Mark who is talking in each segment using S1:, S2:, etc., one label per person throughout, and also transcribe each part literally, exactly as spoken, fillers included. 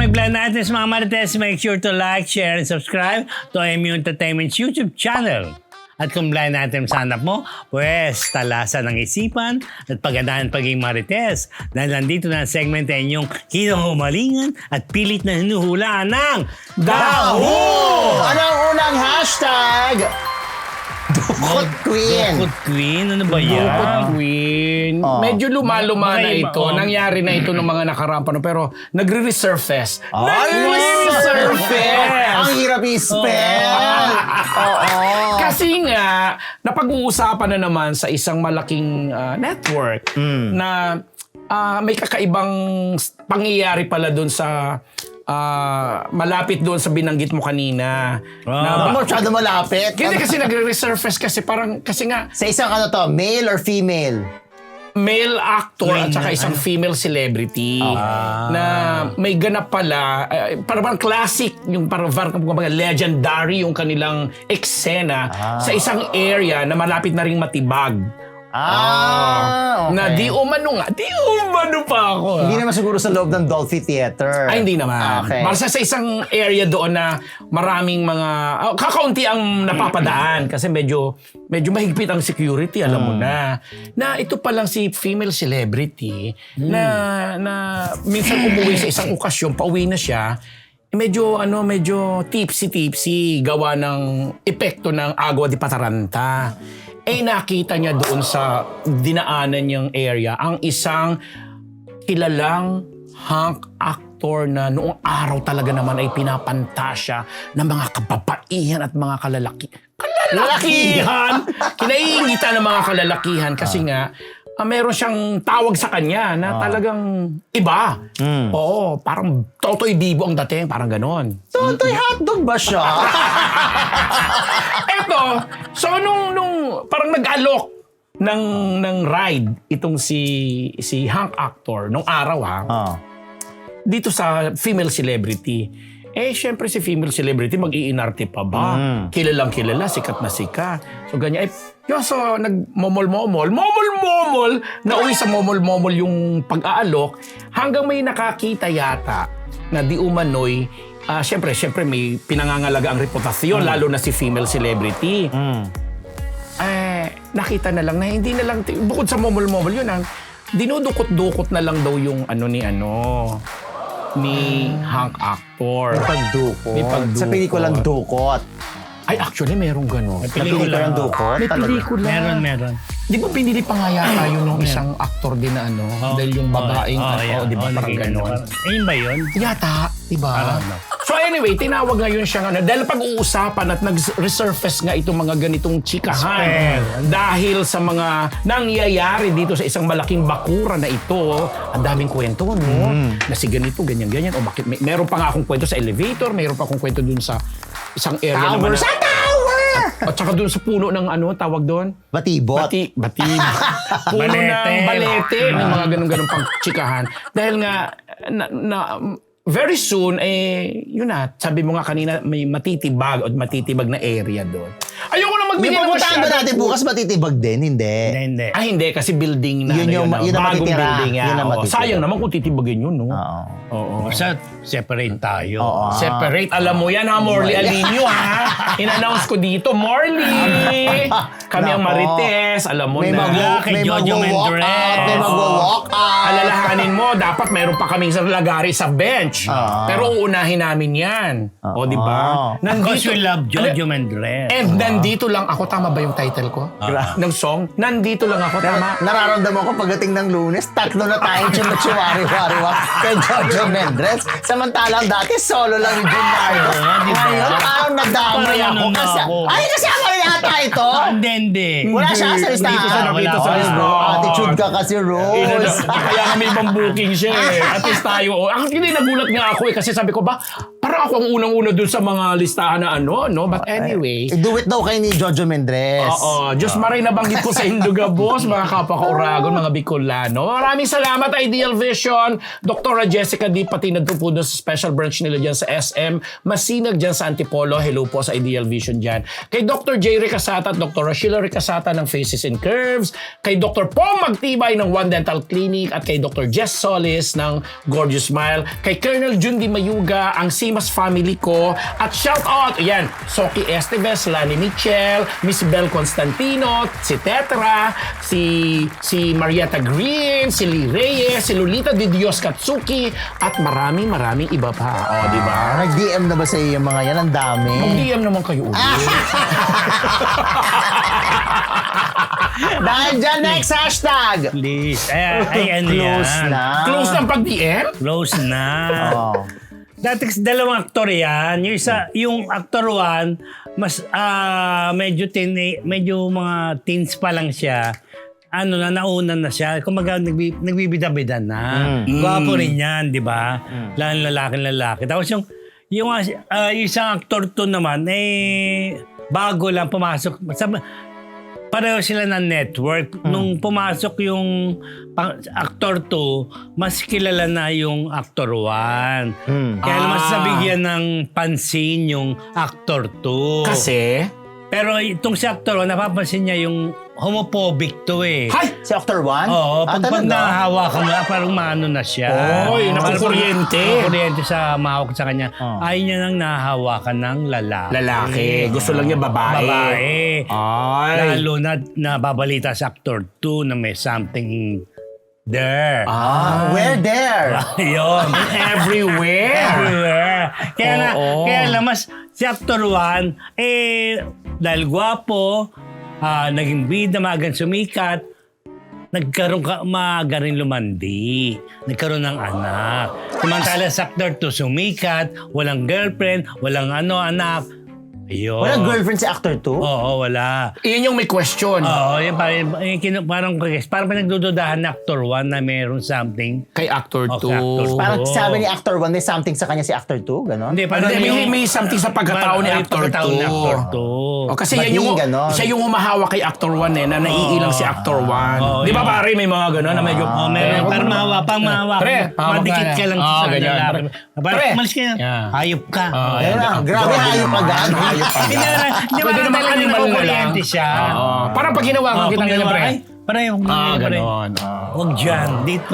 S1: aming plan natin sa mga Marites. Make sure to like, share, and subscribe to M U Entertainment's YouTube channel. At kung blind item sa hanap mo, pues talasan ng isipan at pagandaan pagiging Marites. Dahil nandito na ang segment na inyong kinuhumalingan at pilit na hinuhulaan ng
S2: Daho! Ano ang unang hashtag? Dukot Queen.
S1: Dukot Queen? Ano ba yan?
S3: Dukot Queen.
S2: Oh.
S3: Medyo lumaluma na
S1: Baka iba,
S3: ito.
S1: oh.
S3: Nangyari na ito ng mga nakaraan pa. no? Pero nagre-resurface.
S2: Ay,
S3: Nagre-resurface!
S2: Ang hirap i-spell. Oo.
S3: Kasi nga, napag-uusapan na naman sa isang malaking uh, network na uh, may kakaibang pangyayari pala doon sa uh, malapit doon sa binanggit mo kanina.
S1: Ah.
S3: Na,
S2: Ano masyado malapit?
S3: Hindi kasi nagre-resurface kasi parang, kasi nga,
S2: Sa isang ano to, male or female?
S3: male actor at saka
S1: Queen,
S3: isang
S1: ano?
S3: female celebrity na may ganap pala, uh, parang classic, yung parang, parang legendary yung kanilang eksena sa isang area na malapit na ring matibag.
S2: Ah, okay.
S3: Na di umano nga, di umano pa ako. ah.
S2: Hindi naman siguro sa loob ng Dolphy Theater.
S3: Ay, hindi naman.
S2: Okay.
S3: Basta sa isang area doon na maraming mga, oh, kakaunti ang napapadaan kasi medyo medyo mahigpit ang security, alam mo na. Na ito pa lang si female celebrity na na minsan umuwi sa isang okasyon, pauwi na siya, medyo ano, medyo tipsy-tipsy gawa ng epekto ng agua di Pataranta. Eh nakita niya doon sa dinaanan niyang area ang isang kilalang hunk actor na noong araw talaga naman ay pinapantasya ng mga kababaihan at mga kalalaki. Kalalakihan! Kinaiingitan ng mga kalalakihan kasi nga ah, meron siyang tawag sa kanya na talagang iba. Oo, parang Totoy Bibo ang dating, parang ganon.
S2: Totoy hotdog ba siya?
S3: Eto, so nung, nung parang nag-alok ng, ng ride itong si, si hunk actor nung araw ha,
S2: Oh.
S3: dito sa female celebrity. Eh, syempre si female celebrity, mag-iinarte pa ba? Kilalang kilala, sikat na sikat. So, ganyan. Eh, yun, so, nag-momol-momol, momol-momol, nauwi sa momol-momol yung pag-aalok, hanggang may nakakita yata na di umano'y, ah, syempre, syempre may pinangangalaga ang reputasyon, lalo na si female celebrity. Eh, nakita na lang na hindi na lang, bukod sa momol-momol yun, ang dinudukot-dukot na lang daw yung ano ni ano, ni hunk actor.
S2: May pagdukot.
S3: May pagdukot.
S2: Sa pelikulang Dukot.
S3: Ay, actually, merong gano'n.
S1: May
S2: Sa pelikulang Dukot?
S3: May
S2: talaga.
S3: pelikula.
S1: Meron, meron.
S3: Di ba pinili pa nga yata yun ng isang actor din na ano? dahil yung babaeng,
S1: oh,
S3: ano,
S1: yeah.
S3: di ba
S1: Oh,
S3: parang
S1: naging ano,
S3: gano'n?
S1: parang- Ayun ba yun?
S3: Yata, di ba?
S1: Parang ano.
S3: So anyway, tinawag ngayon siyang ano, dahil pag-uusapan at nag-resurface nga itong mga ganitong chikahan
S1: Spell.
S3: dahil sa mga nangyayari dito sa isang malaking bakura na ito. Ang daming kwento, no? Na si ganito, ganyan-ganyan. O bakit, may, meron pa nga akong kwento sa elevator, meron pa akong kwento dun sa isang area
S2: Tower
S3: naman.
S2: sa tower!
S3: At saka dun sa puno ng ano, tawag doon?
S2: Batibot.
S3: Bati, bati. Puno
S1: Balete.
S3: ng balete. May mga ganun-ganun pang chikahan. Dahil nga, na, na, very soon, eh, yun na, sabi mo nga kanina, may matitibag o matitibag na area doon. Ayoko na
S2: May
S3: magbigay ng
S2: pupuntahan ba
S3: masyadong-
S2: natin bukas matitibag din? Hindi.
S1: Hindi, hindi.
S3: Ah, hindi. Kasi building na.
S2: Yun
S3: ano
S2: yung-
S3: ah,
S2: yun ang
S3: bagong
S2: matitira.
S3: building. ah.
S2: Yun ang
S3: Oo.
S2: matitira.
S3: Sayang naman kung titibagin yun, no?
S2: Oo.
S3: Oo.
S1: Basta separate tayo.
S2: Oo.
S3: Separate. Alam mo yan ha, Morley Alinio ha. In-announce ko dito, Morley. Kami ang
S2: Nako.
S3: Marites. Alam mo
S2: May
S3: na.
S2: mag-
S1: kay
S2: may
S1: Jojo
S2: mag-walk
S1: Mendrez.
S2: out. May
S3: Oo.
S2: mag-walk out.
S3: Alalahanin mo, dapat meron pa kaming sa lagari sa bench.
S2: Ah.
S3: Pero uunahin namin yan. O, di ba?
S2: Ah.
S1: Because we love Jojo
S3: Ano-
S1: Mendrez.
S3: And nandito lang ako. Tama ba yung title ko? Ng song? Nandito lang ako. Tama?
S2: Nararamdaman ko pagdating ng Lunes, tatlo na tayong chumuchuwari-wari-wari kay Jojo Mendrez. Samantalang dati solo lang yung Jun Mario.
S1: Oo nga, di ba?
S2: Ngayon, parang nadamay
S1: Parang
S2: ako.
S1: ano na
S2: Kasi,
S1: ako.
S2: ay, kasama na yata ito.
S1: Hindi, hindi.
S2: Wala siya sa listahan.
S3: Dito sa nakita sa
S1: Wala,
S3: lista.
S1: wala.
S2: Attitude ka kasi,
S3: Inano,
S2: Rose.
S3: kaya kami ibang booking siya eh. At least tayo. Oh. Actually, nagulat nga ako eh. Kasi sabi ko ba, Parang ako ang unang-una dun sa mga listahan na ano, no? But anyway.
S2: I-do it daw kay ni Jojo Mendres.
S3: Oo. Diyos maray nabanggit ko sa Hinduga Boss, mga kapaka-Uragon, mga Bicolano. Maraming salamat, Ideal Vision. Doktora Jessica D. pati na po doon sa special branch nila dyan sa S M. Masinag dyan sa Antipolo. Hello po sa Ideal Vision dyan. Kay Doctor J. Ricasata at Doctor Sheila Ricasata ng Faces and Curves. Kay Doctor Pong Magtibay ng One Dental Clinic. At kay Doctor Jess Solis ng Gorgeous Smile. Kay Colonel Jundi Mayuga, ang Simas family ko. At shout out, ayan, Soki Esteves, Lani Michel, Miss Bel Constantino, si Tetra, si si Marietta Green, si Lee Reyes, si Lolita Di Dios Katsuki, at maraming maraming iba pa. O, di ba?
S2: Ah, nag-D M na ba sa iyo yung mga yan? Ang dami.
S3: Mag-D M naman kayo ulit.
S2: Dahil dyan, next hashtag.
S1: Please. Ay, ay ano
S2: Close
S1: yan?
S2: na.
S3: Close ng pag-D M?
S1: Close na.
S2: Oh.
S1: Dati kasi dalawang aktor yan. Yung isa, yung actor one, mas ah medyo tin, medyo mga teens pa lang siya. Ano na, nauna na siya. Kumaga, nagbi, nagbibida-bida na.
S2: Mm.
S1: Gwapo rin yan, di ba? Mm. Laking lalaki-lalaki. Tapos yung, yung uh, yung isang actor to naman, eh, bago lang pumasok. Sabi, pareho sila ng network. Mm. Nung pumasok yung pang, actor two, mas kilala na yung actor one.
S2: Mm.
S1: Kaya
S3: Ah.
S1: mas nabigyan ng pansin yung actor two.
S3: Kasi?
S1: Pero itong si actor one, napapansin niya yung homophobic to eh.
S3: Hay!
S2: Si Actor One?
S1: Oo,
S2: Ah,
S1: pag, pag
S2: talaga?
S1: nahahawakan mo, parang maano na siya.
S3: Oy,
S1: Parang-
S3: nakukuryente.
S1: Nakukuryente sa mahawak sa kanya.
S2: Oh.
S1: Ayaw niya nang nahahawakan ng lalaki.
S3: Lalaki. Gusto lang niya babae.
S1: Babae.
S3: Ay.
S1: Lalo na nababalita sa actor two na may something there.
S2: Ah, where there?
S1: Yun.
S3: Everywhere.
S1: Everywhere. Kaya na,
S3: Oo.
S1: kaya lang mas si actor one, eh, dahil gwapo, ah, naging bida, magang sumikat, nagkaroon ka, maaga rin lumandi. Nagkaroon ng anak. Samantala sa actor two, sumikat, walang girlfriend, walang ano, anak. Ayun.
S2: Walang girlfriend si Actor Two?
S1: Oo, wala.
S3: Iyan yung may question.
S1: Oo, yun parang, yung kinu- parang, parang pinagdududahan na actor one na meron something.
S3: Kay Actor
S1: Oh,
S3: two.
S1: kay Actor two.
S2: Parang
S1: Oo.
S2: sabi ni Actor One, may something sa kanya si Actor Two? Ganon?
S1: Hindi, parang
S3: Hindi, may,
S1: yung-
S3: may something sa pagkatao ni
S1: Parang-
S3: Actor
S1: pagkatao ni
S3: two.
S1: Actor two.
S3: O, kasi
S2: Ba't
S3: yan yung,
S2: yung ganon?
S3: siya yung humahawak kay Actor one eh, na naiilang si Actor one.
S1: Oo,
S3: Di ba
S1: yun.
S3: pare, may mga gano'n na medyo...
S1: Oh, meron. Parang mahawa, pang mahawa.
S3: Pre, hawak
S1: Madikit
S3: ka
S1: ka
S3: na.
S1: lang
S3: Oo,
S1: sa
S3: ganyan.
S1: lalaki.
S3: Pre.
S1: Parang
S3: Pre.
S1: umalis ka na.
S3: Yeah.
S1: Hayop ka.
S3: Oo,
S1: Oh,
S2: Ayun na, grabe hayop agad.
S3: Hayop agad.
S1: Hindi na, hindi
S3: Pwede
S1: ba
S3: naman
S1: talaga
S3: animal na lang.
S1: nakukuryente siya?
S3: Oo. Parang pag ginawa ka
S1: Oh,
S3: kita
S1: pag
S3: ganyan,
S1: ginawa,
S3: pre.
S1: ay, parang yung
S3: Ah,
S1: pre.
S3: gano'n.
S1: Huwag dyan, dito.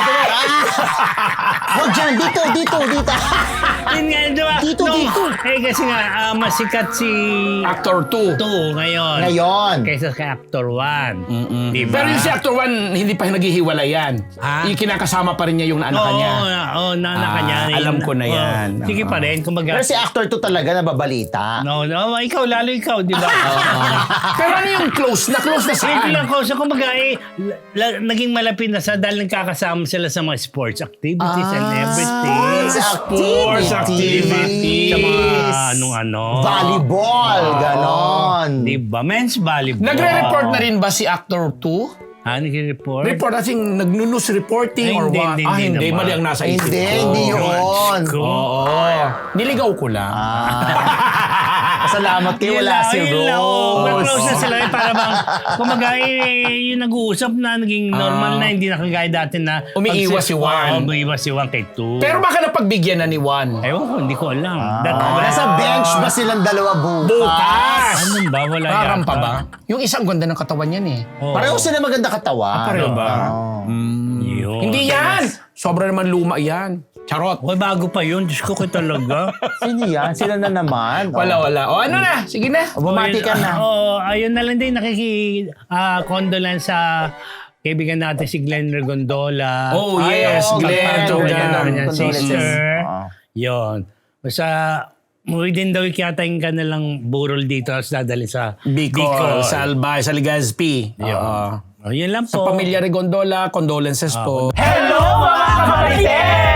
S2: Huwag dyan, dito, dito, dito.
S1: Yun nga, di ba?
S2: Dito,
S1: Nung-
S2: dito.
S1: Eh, kasi nga, ah, masikat si
S3: Actor two.
S1: two ngayon.
S2: Ngayon.
S1: Kaysa kay actor one.
S3: Mm-mm.
S1: Di ba?
S3: Pero yung si Actor one, hindi pa naghihiwalay yan.
S1: Ha?
S3: Yung kinakasama pa rin niya yung anak
S1: Oo,
S3: niya.
S1: oo, naanak
S3: Ah,
S1: niya.
S3: alam ko na
S1: Oo.
S3: yan.
S1: Sige pa rin, kumbaga.
S2: Pero si Actor Two talaga nababalita.
S1: No, no, ikaw, lalo ikaw, di ba?
S3: Pero ano yung close? Na close na
S1: Hindi
S3: saan?
S1: lang ko. So, kumbaga, eh, la- la- naging malapit na sa dahil nagkakasama sila sa mga sports activities and
S2: Ah,
S1: everything.
S2: sports
S3: activities.
S1: Sa mga anong-ano.
S2: Volleyball, ganon.
S1: Di ba? Men's volleyball.
S3: Nagre-report na rin ba si Actor two?
S1: Ah, nagre-report?
S3: Report, as in, nag-news reporting
S1: Ay,
S3: or
S1: hindi,
S3: what?
S1: hindi,
S3: ah,
S1: hindi
S3: hindi.
S1: naman.
S3: Mali ang nasa isip
S2: Hindi,
S3: ko.
S2: hindi yun.
S1: Ko.
S3: Oo. Niligaw ko lang.
S2: Ah. Salamat kayo,
S1: Yun
S2: wala
S1: lang,
S2: si
S1: yun lang, oh.
S2: Rose.
S1: Close na sila. Eh, para bang, kumaga, eh, yung nag-uusap na, naging normal na, hindi na kagaya dati na...
S3: Ah. Umiiwas si Juan.
S1: Oo, umiiwas si Juan kay two.
S3: Pero baka napagbigyan na ni Juan.
S1: Ewan ko, hindi ko alam. That,
S2: Ah, nasa bench ba silang dalawa bukas?
S3: Bukas!
S1: Ano ba? Wala
S3: Parang
S1: yata.
S3: pa ba? Yung isang ganda ng katawan yan eh.
S1: Oo.
S2: Pareho sila maganda katawan.
S3: pareho ba?
S2: Oo.
S1: Yun.
S3: Hindi yan! Sobra naman luma yan. Charot.
S1: Hoy, bago pa yun. Diyos ko, ko talaga.
S2: Sino yan? Sila na naman.
S3: Wala, wala. O ano na? Sige na.
S2: O, bumati ka na.
S1: Oo, oh, ayun na lang din. Nakiki, ah, condolence sa kaibigan natin si Glenn Regondola.
S3: Oh,
S2: Ay,
S3: yes.
S2: oo,
S3: Glenn.
S2: Glenn.
S3: Jogan.
S2: Glenn.
S1: Glenn.
S2: Condolences.
S1: Sister.
S2: Oo.
S1: Yun. Basta, within the week yata yung kanilang burol dito tapos dadali sa
S3: Bicol, Salbay, sa Legazpi. Oo.
S1: Oh, yun lang
S3: Sa
S1: po.
S3: pamilya Regondola, condolences po.
S2: Hello mga kapatites!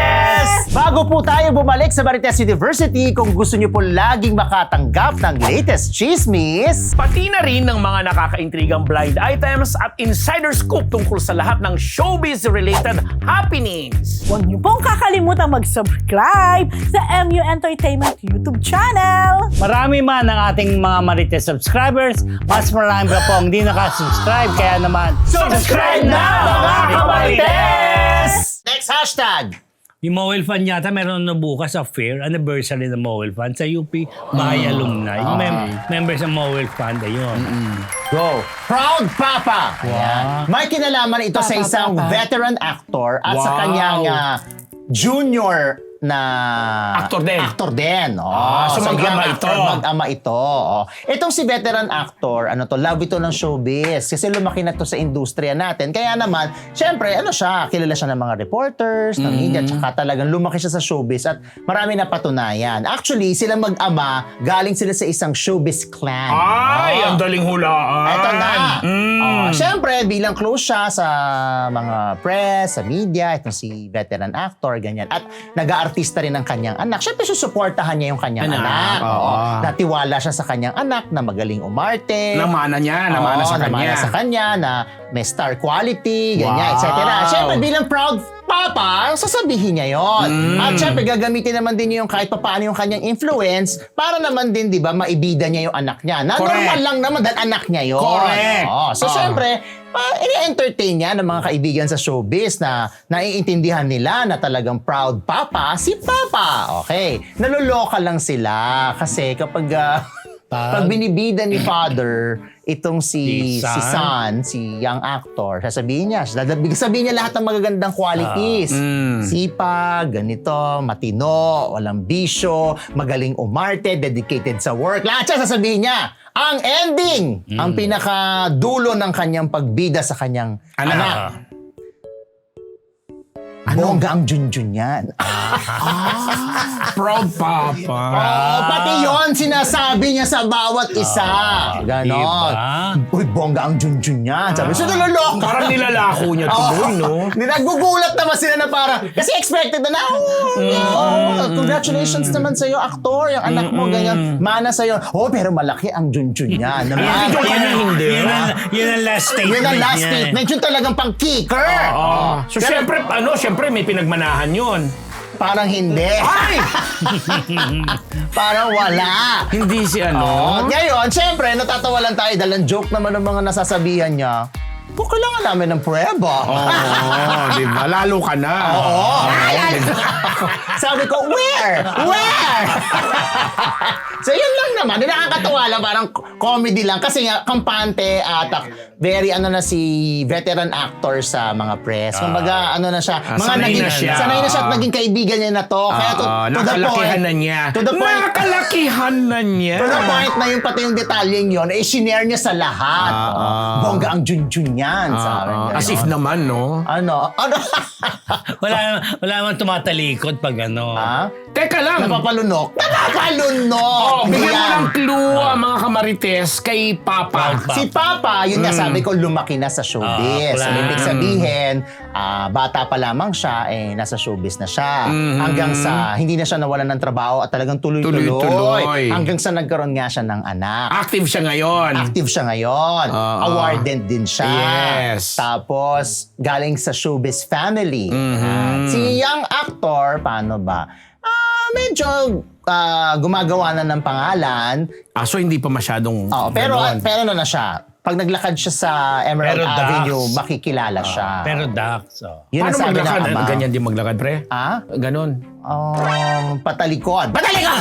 S2: Bago po tayo bumalik sa Marites University, kung gusto niyo po laging makatanggap ng latest chismis,
S3: Pati na rin ng mga nakakaintrigang blind items at insider scoop tungkol sa lahat ng showbiz-related happenings.
S4: Huwag niyo pong kakalimutan mag-subscribe sa M U Entertainment YouTube channel.
S1: Marami man ang ating mga Marites subscribers, mas marami pa po ang di nakasubscribe. Kaya naman,
S2: subscribe na mga kamarites! Next hashtag!
S1: yung Mowel Fan yata meron na bukas sa fair, anniversary ng Mowel Fan sa U P Bahay Alumni. Yung mem- members ng Mowel Fan, ayun.
S2: Go! Proud Papa! Ayan. May kinalaman ito sa
S4: Papa,
S2: isang
S4: Papa.
S2: veteran actor at sa
S3: Wow.
S2: kanyang ah, junior na
S3: Actor din.
S2: Actor din. Oh,
S3: Ah, so mag-ama
S2: young actor,
S3: ito.
S2: Mag-ama ito. Oh. Itong si veteran actor, ano to, love ito ng showbiz. Kasi lumaki na to sa industriya natin. Kaya naman, syempre, ano siya, kilala siya ng mga reporters, ng media, tsaka talagang lumaki siya sa showbiz at marami na patunayan. Actually, sila mag-ama, galing sila sa isang showbiz clan.
S3: Ay,
S2: Oh.
S3: ang daling hulaan.
S2: Eto na.
S3: Mm.
S2: Oh, Siyempre, bilang close siya sa mga press, sa media, itong si veteran actor, ganyan. At nag-aartista rin ang kanyang anak. Siyempre, susuportahan niya yung kanyang
S3: Anak,
S2: anak.
S3: oo.
S2: Oo. Natiwala siya sa kanyang anak na magaling umarte.
S3: Namana niya, namana
S2: Oo,
S3: sa kanya.
S2: namana sa kanya na may star quality, ganyan,
S3: Wow.
S2: et cetera. Siyempre, bilang proud papa, sasabihin niya yon.
S3: Mm.
S2: At syempre, gagamitin naman din niya yung kahit papaano yung kanyang influence para naman din, di ba, maibida niya yung anak niya. Na
S3: Correct.
S2: normal lang naman dahil anak niya yon.
S3: Correct.
S2: Oo. So,
S3: Oo.
S2: syempre, uh, ini-entertain niya ng mga kaibigan sa showbiz na naiintindihan nila na talagang proud papa, si Papa. Okay. Naluloka lang sila kasi kapag ah,
S1: Pag-
S2: pag binibida ni Father itong si
S1: Si
S2: si
S1: Son.
S2: Son, si young actor, sasabihin niya, dadabig sabihin niya lahat ng magagandang qualities.
S3: Mm.
S2: Sipag, ganito, matino, walang bisyo, magaling umarte, dedicated sa work. Lahat siya sasabihin niya. Ang ending, ang pinakadulo ng kanyang pagbida sa kanyang
S3: Anak.
S2: anak. Bongga ang junjun yan.
S3: Proud Papa.
S2: Oh, pati yon sinasabi niya sa bawat isa. Ganon.
S1: diba?
S2: Uy, bongga ang junjun yan. Sabi, so naloloko.
S3: Parang nilalako niya tuloy, no?
S2: Hindi, nagugulat naman sila na parang, kasi expected na na, oh, oh, congratulations naman sa'yo, aktor, yung anak mo, ganyan, mana sa'yo. Oh, pero malaki ang junjun niya. Naman.
S3: Yung kanya hindi.
S1: Yun ang, yun ang last statement
S2: Yun ang last
S1: niya.
S2: statement. Yun talagang pang kicker.
S3: Ah. So, syempre, ano, syempre, may pinagmanahan yun.
S2: Parang hindi.
S3: Ay!
S2: Parang wala.
S3: Hindi si
S2: Oh,
S3: ano?
S2: ngayon, syempre, natatawa lang tayo dahil ang joke naman ng mga nasasabihan niya, kung kailangan namin ng prueba.
S3: Oo, di ba? Lalo ka na.
S2: Oo. Sabi ko, where? Where? So, yun lang naman. Nakakatawa lang. Parang comedy lang. Kasi nga, kampante at uh, very ano na si veteran actor sa mga press. Kumbaga, ano na siya.
S3: Ah,
S2: mga
S3: sanay
S2: naging,
S3: na siya.
S2: Sanay na siya at naging kaibigan niya na to. Kaya to,
S3: Oo,
S2: to the
S3: nakalakihan
S2: point.
S3: na niya.
S2: To the point.
S3: Nakalakihan na niya.
S2: To the point na yung pati yung detalyeng yun, eh, sinare niya sa lahat.
S3: Ah,
S2: Oh,
S3: ah.
S2: Bongga ang junjun yan. sa akin.
S3: Ah, as if naman, no?
S2: Ano? Ano?
S1: Wala, wala naman tumatalikod pag ano.
S2: ha?
S3: Teka lang.
S2: Napapalunok? Napapalunok!
S3: Oh, bigyan mo
S2: Yan.
S3: ng clue ang mga kamarites kay Papa.
S1: Papa.
S2: Si Papa, yun nga sabi ko, lumaki na sa showbiz.
S1: Ah,
S2: so,
S1: plan.
S2: ibig sabihin, ah, bata pa lamang siya, eh, nasa showbiz na siya. Hanggang sa, hindi na siya nawalan ng trabaho at talagang tuloy-tuloy.
S3: Tuloy-tuloy.
S2: Hanggang sa nagkaroon nga siya ng anak.
S3: Active siya ngayon.
S2: Active siya ngayon.
S3: Oo.
S2: Awarded din siya.
S3: Yes.
S2: Tapos, galing sa showbiz family. Ah, si young actor, paano ba? Ah, medyo ah, gumagawa na ng pangalan.
S3: Ah, so hindi pa masyadong
S2: Oo, pero
S3: ganon.
S2: pero ano na siya. Pag naglakad siya sa Emerald
S1: Pero Dax.
S2: Avenue, makikilala siya.
S1: Pero Dax, oh.
S2: Yun ang
S3: Paano
S2: sabi ng
S3: maglakad?
S2: ama.
S3: Ganyan din maglakad, pre?
S2: Ah?
S3: Ganon.
S2: Um, patalikod. Patalikod!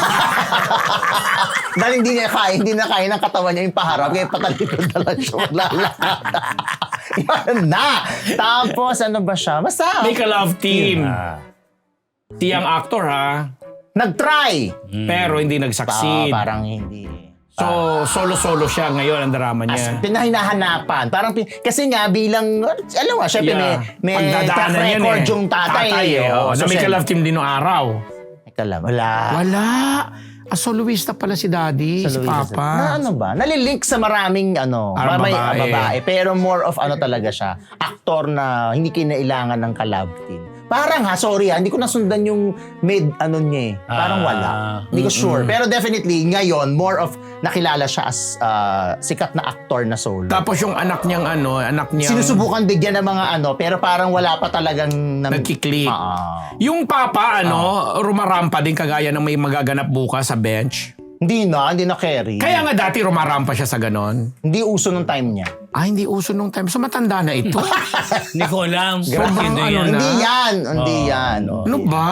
S2: Dahil hindi niya kaya, hindi na kaya ng katawan niya yung paharap, kaya patalikod na lang siya maglalakad. Yan na! Tapos, ano ba siya? Basta,
S3: Make a love team.
S1: Ah.
S3: Si ang actor, ha?
S2: nag-try.
S3: Pero hindi
S2: Pa,
S3: nag-succeed.
S2: parang hindi.
S3: So, solo-solo siya ngayon ang drama
S2: As,
S3: niya.
S2: pinahinahanapan. Parang, pin- kasi nga bilang, alam mo, syempre
S3: Yeah.
S2: may, may track
S3: Pagdadaanan yan
S2: record
S3: eh.
S2: yung tatay.
S3: eh.
S2: oh.
S3: Oh,
S2: So,
S3: na may
S2: syempre-
S3: ka-love team din noong araw.
S2: Teka lang, wala.
S3: Wala. Ah, soloista pala si Daddy,
S2: Sa
S3: si
S2: Luisa.
S3: Papa.
S2: Na ano ba? Nalilink sa maraming ano,
S3: Ah,
S2: may
S3: babae.
S2: babae. Pero more of ano talaga siya, aktor na hindi kinailangan ng ka-love team. Parang ha, sorry ha, hindi ko nasundan yung mid ano niya eh. Parang
S1: Ah,
S2: wala. Hindi ko sure. Pero definitely, ngayon, more of nakilala siya as uh, sikat na actor na solo.
S3: Tapos yung anak niyang ano, anak niyang...
S2: Sinusubukan bigyan ng mga ano, pero parang wala pa talagang... Nam-
S3: Nagkiklik.
S2: Ah.
S3: Yung papa, ano, rumarampa din kagaya ng may magaganap bukas sa bench.
S2: Hindi na, hindi na carry.
S3: Kaya nga dati rumarampa siya sa ganon.
S2: Hindi uso nung time niya.
S3: Ah, hindi uso nung time. So matanda na ito.
S1: Hindi ko alam.
S3: Sobrang
S1: Sino
S3: ano
S1: yan?
S3: na.
S2: Hindi yan, hindi yan.
S3: Ano ba?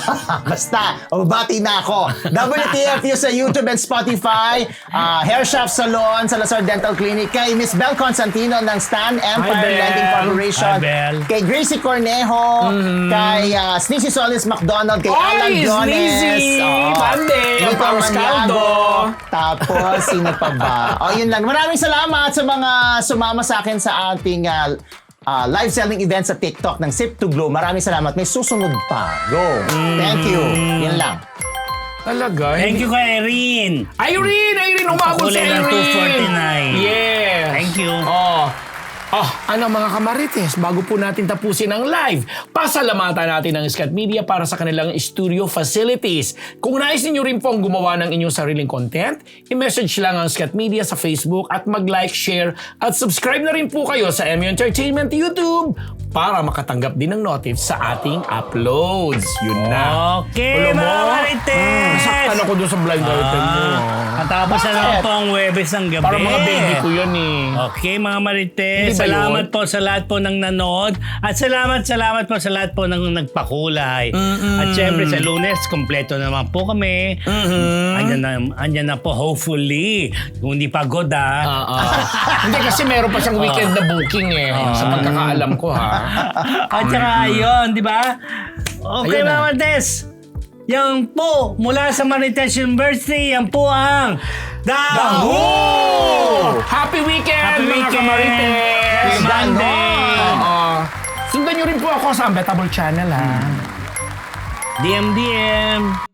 S2: Basta, bati na ako. W T F U sa YouTube and Spotify, uh, Hair Shop Salon, Salazar Dental Clinic, kay Miss Bel Constantino ng Stan Empire
S3: Bel.
S2: Lending Corporation,
S1: Hi, Bel.
S2: kay Gracie Cornejo, kay uh, Sneezy Solis McDonald, kay
S3: Oy,
S2: Alan Jones,
S3: Sneezy!
S2: Oo.
S3: Bande,
S2: Nico
S3: ang Pauscaldo.
S2: Maniago. Tapos, sino pa ba? O, yun lang. Maraming salamat sa mga sumama sa akin sa ating uh, uh, live selling event sa TikTok ng Sip to Glow. Maraming salamat. May susunod pa. Go. Thank you. Yan lang.
S3: Talaga?
S1: Thank you kay Irene.
S3: Irene! Irene! Umabot si
S1: Kulay
S3: Irene!
S1: ng two forty-nine.
S3: Yes!
S1: Thank you.
S3: Oh. Oh, ano mga kamarites, bago po natin tapusin ang live, pasalamatan natin ang Scat Media para sa kanilang studio facilities. Kung nais ninyo rin pong gumawa ng inyong sariling content, i-message lang ang Scat Media sa Facebook at mag-like, share at subscribe na rin po kayo sa M U Entertainment YouTube para makatanggap din ng notifs sa ating uploads. Yun na.
S1: Okay,
S3: Alam mo?
S1: mga marites.
S3: Nasaktan ako doon sa blind item mo.
S1: Ah, Katapos na naman po ang Webes ng gabi.
S3: Para mga baby ko yun eh.
S1: Okay, mga marites.
S3: Hindi ba
S1: Salamat
S3: yun?
S1: po sa lahat po ng nanood. At salamat, salamat po sa lahat po ng nagpakulay. At syempre sa Lunes, kompleto naman po kami. Andyan, na, andyan na po, hopefully. Kung hindi pagod ah.
S3: Oo. Hindi kasi meron pa siyang weekend na booking eh. Sa pagkakaalam ko ha.
S1: At saka yun, di ba? Okay,
S3: Ayun
S1: mga
S3: na.
S1: marites. Yan po, mula sa Marites University, yan po ang Daho!
S3: Happy weekend,
S1: Happy
S3: mga
S1: weekend!
S3: kamarites!
S1: Happy Monday!
S3: Oo. Sundan nyo rin po ako sa Unbettable Channel ha.
S1: D M D M.